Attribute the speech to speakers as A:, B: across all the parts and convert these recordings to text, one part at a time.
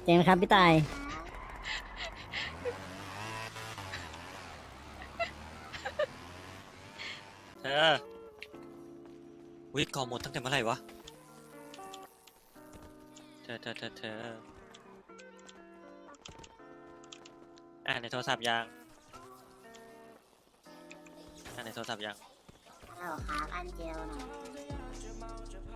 A: งครับพี่ตาย
B: เธอวิก่อหมดตั้งแต่เมื่อไหร่วะเธอในโทรศัพท์ยังในโทรศัพท์ยัง
C: ฮัลโหลครับอันเจลหน่อย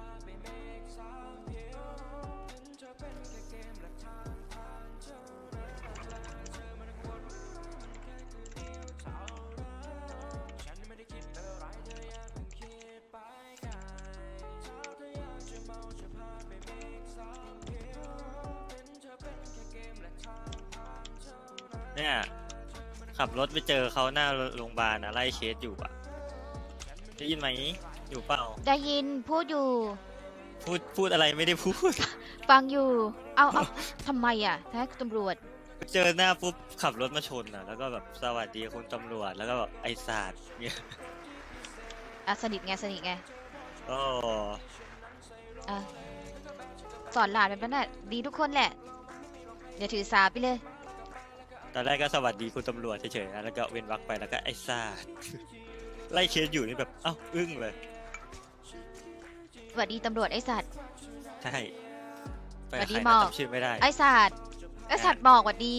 B: เนี่ยขับรถไปเจอเขาหน้าโรงพยาบาลนะไล่เคสอยู่อะได้ยินไหมอยู่เปล่า
D: ได้ยินพูดอยู่
B: พูดอะไรไม่ได้พูด
D: ฟังอยู่ เอาทำไมอ่ะถ้าตำรวจ
B: เจอหน้าปุ๊บขับรถมาชนอะแล้วก็แบบสวัสดีคุณตำรวจแล้วก็แบบไอ้ศาสตร์เนี่ย
D: สนิทไง
B: ก็
D: อ่ะสอนหลานแบบนั้นน่ะดีทุกคนแหละอย่าถือสาไปเลย
B: ตอนแรกก็สวัสดีคุณตำรวจเฉยๆนะแล้วก็เว้นวรรคไปแล้วก็ไอ้ศาสตร์ ไล่เคสอยู่นี่แบบเอ้าอึ้งเลย
D: สวัสดีตำรวจไอ้สัตว์
B: ใช่ไป
D: สวัสดี
B: ใคร
D: หม
B: นะ
D: อก
B: จำชื่อไม่ได้
D: ไอ้สัตว์บอกสวัสดี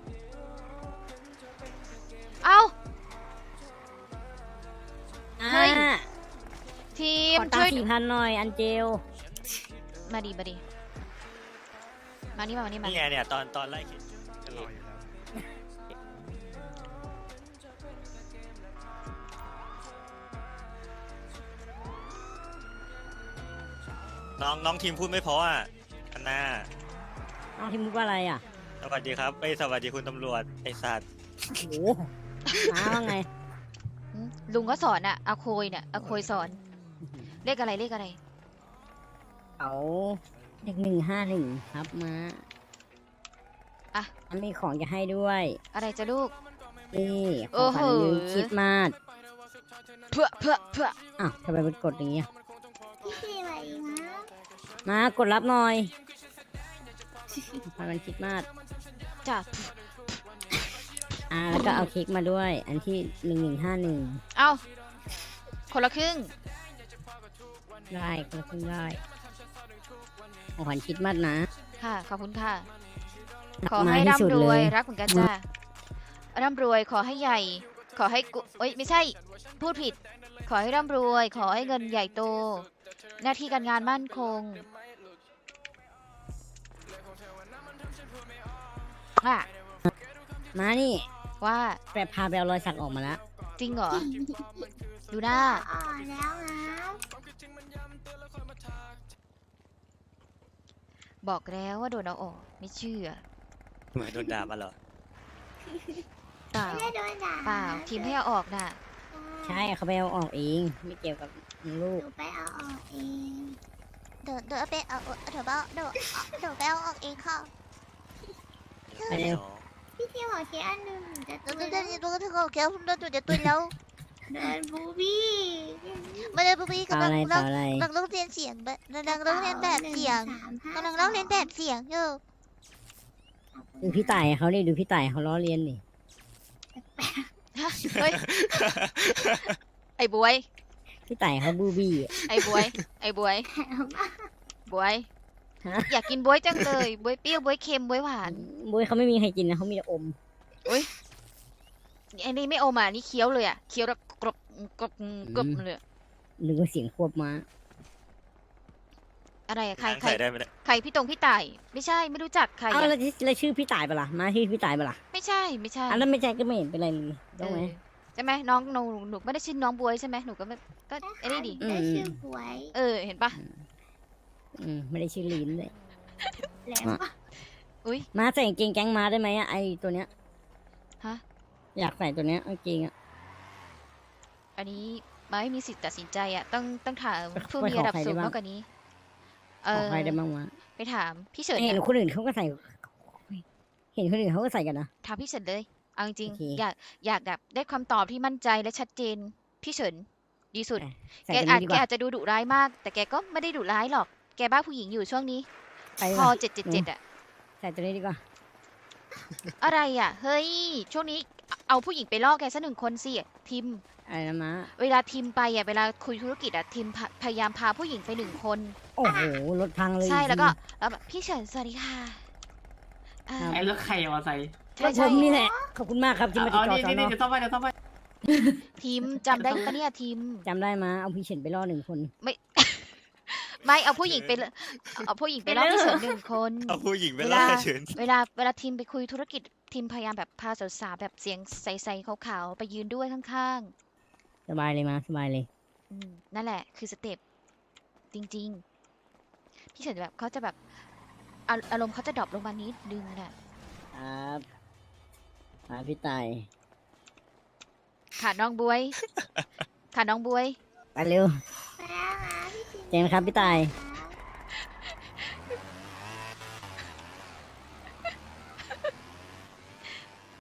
D: เอ้า เฮ้ย ทีม
A: ขอตัง
D: ช่วย
A: ค์4,000หน่อยอันเจล
D: มานี่มานี่มา
B: นี่ไงเนี่ยตอนไล่เคสน้องทีมพูดไม่เพราะอ่ะอันน่า
A: น้องที่มุกว่าอะไรอ่ะ
B: สวัสดีครับสวัสดีคุณตำรวจไอ้สัตว์
A: โอ้โหน้าว่าไง
D: ลุงก็สอนอ่ะอาโคยเนี่ยอาโคยสอน เลขอะไร
A: เขาเด็ก151ครับมา
D: อ่ะ
A: อันมีของจะให้ด้วย
D: อะไรจะลูก
A: นี่ข
D: โอ้
A: อง
D: โห
A: ขวัญลืมคิดมาด
D: เพื่อ
A: อ้าวทำไมมันกดอย่างเงี้ย
C: พี่พี่มาอีกนะ
A: มากดรับหน่อยขวัญมันคิดมาด
D: จ้ะ
A: แล้วก็เอาเค้กมาด้วย อันที่1151
D: เอาคนละครึ่ง
A: ได้คนละครึ่งได้ของขวัญคิดมาดนะ
D: ค่ะ ขอบคุณค่ะ
A: รัก
D: ขอ
A: มา
D: ให้
A: ที่สุด
D: ร่ำร
A: เล
D: วย
A: ย
D: รักเหมือนกันจ้าร่ำรวยขอให้ใหญ่ ขอให้กุเอ้ยไม่ใช่ พูดผิด ขอให้ร่ำรวย ขอให้เงินใหญ่โต หน้าที่การงานมั่นคงว่า
A: มานี่
D: ว่า
A: แปรพาไปเอารอยสักออกมาแล้ว
D: จริงเหรอ ดูหน้า
C: อ่อนแล้วนะ
D: บอกแล้วว่าโดนเอาออก ไม่เชื่อ
B: เหมือนโดนด่ามาเหรอ
D: เปล่า
C: ไม่ได้โดนด่า
D: เปล่า ทีมให้เอาออกน่ะ
A: ใช่เขาไปเอาออกเองไม่เกี่ยวกับลู
C: ห
A: ก
C: นูไปเอาออกเอง
E: เดี๋ยวไปเอาเดี๋ยวไปเอาออกเองค่ะ
A: ไปเร็ว
C: พี่ทีบอกทีอันหนึ่งหนูจะ
E: เดี๋
C: ตุ
E: ยวย เดี๋ยว
C: แล้ว
E: เดี๋ยวแกผมเดินจะตุยแล้ว
C: เดินบูบี้
E: ไม่ได้พี่
A: ต่อก
E: ำลัง
A: อะไรต่ออะไร
E: กำลังร้องเรียนเสียงแบบกำลังร้องเรียนแบบเสียงกำลังร้องเรียนแบบเสียงอยู่
A: ดูพี่ต่ายเขาดิดูพี่ต่ายเขาล้อเลียนดิ
D: เฮ้ย ไอ้บวย
A: พี่ต่ายเขาบูบี้อะ
D: ไอ้บวย บวย
A: ฮะ
D: อยากกินบวยจังเลย บวยเปรี้ยว บวยเค็ม บวยหวาน
A: บุ้ยเขาไม่มีใครกินนะเขามีแต่อม
D: ไอ้นี่ไม่อมอ่ะนี่เคี้ยวเลยอ่ะ เคี้ยวแล้วกรบกรบเลยอะ
A: หรือว่าเสียงควบม้า
D: อะไรอะใคร
B: ใส่ได้ไหมเนี่ย
D: ใครพี่พี่ต่าย ไม่ใช่ ไม่รู้จักใคร
A: อ้าว
D: อะ
A: แล้วชื่อพี่ต่ายปะล่ะมาชื่อพี่ต่ายปะล่ะ
D: ไม่ใช่
A: อันนั้นไม่ใช่ก็ไม่เห็นเป็นไรเลยต้องไหม
D: ใช่ไหมน้องหนูไม่ได้ชื่อน้องบวยใช่ไหมหนูก็ไม่ก็ไอ้นี่ดิ
C: ได้ชื่อหวย
D: เห็นปะ
A: ไม่ได้ชื่อลีนเลย
C: แล้ว
D: อุ้ย
A: มาใส่กางเกงแก๊งม้าได้ไหมอะไอตัวเนี้ย
D: ฮะ
A: อยากใส่ตัวเนี้ยกางเกงอะ
D: อันนี้มาไม่มีสิทธิ์ตัดสินใจอ่ะต้องถามผู้
A: ไป
D: มี
A: ขอ
D: ระดับ
A: ใครได้
D: สูง
A: บ้าง
D: มากกว่านี้
A: ขอใครได้บ้างวะ
D: ไปถามพี่เฉิน
A: เห็น
D: อะ
A: คนอื่นเขาก็ใส่ เห็นคนอื่นเขาก็ใส่กันนะ
D: ถามพี่เฉินเลยเอาจริง
A: โอเค
D: ๆอยากแบบได้คำตอบที่มั่นใจและชัดเจนพี่เฉินดีสุด
A: ใส่
D: แก
A: ตัวนี้ดีกว่า
D: อาจจะดูดุร้ายมาก แต่แกก็ไม่ได้ดุร้ายหรอก แกบ้าผู้หญิงอยู่ช่วงนี้
A: ไป
D: พอ
A: ว่ะ
D: 777อ่ะ
A: ใส่ตัวนี้ดีกว่า
D: อะไรอ่ะ เฮ้ย ช่วงนี้เอาผู้หญิงไปล่อแกสักหนึ่งคนสิทิม
A: อะไรนะม้า
D: เวลาทิมไปอ่ะ เวลาคุยธุรกิจอ่ะทิมพยายามพาผู้หญิงไปหนึ่งคน
A: โอ้โหรถพังเลย
D: ใช่ แล้วก็
A: จริง
D: แล้วแบบพี่เฉินสวัสดีค่ะอ่า
A: ครับ
F: ไอ้รถใครเอามาใส่
A: ๆ
D: ใช่
A: รถผ
D: ใช่
A: มนี่แหละขอบคุณมากครับที่มาติด
F: เอา
A: ต่อ
F: นี่
A: สอน
F: นี่
A: อ
F: เดี๋ยวซ่อมไปเดี๋ยวซ่อมไป
D: ทิมจำได้ปะเนี่ยทิม
A: จำได้มาเอาพี่เฉินไปล่อ1 คน
D: ไม่เอาผู้หญิงไปเลยเอาผู้หญิงไปล่อพี่เฉินหนึ่งคน
B: เอาผู้หญิงไป
D: เว
B: ล่อ
D: ลา
B: เฉิน
D: เวลาทีมไปคุยธุรกิจทีมพยายามแบบพาสาวๆแบบเสียงใสๆขาวๆไปยืนด้วยข้าง
A: สบายเลยมาสบายเลย
D: ๆนั่นแหละคือสเต็ปจริงๆพี่เฉินแบบเขาจะแบบอารมณ์เขาจะดรอปลงมานิดนึงน่ะ
A: ครับมาพี่ตาย
D: ขาน้องบวย ขาน้องบวย
A: ไปเร็ว
C: ไปแล้วนะพี่จิน
A: เจนครับพี่ตาย
C: ค่ะ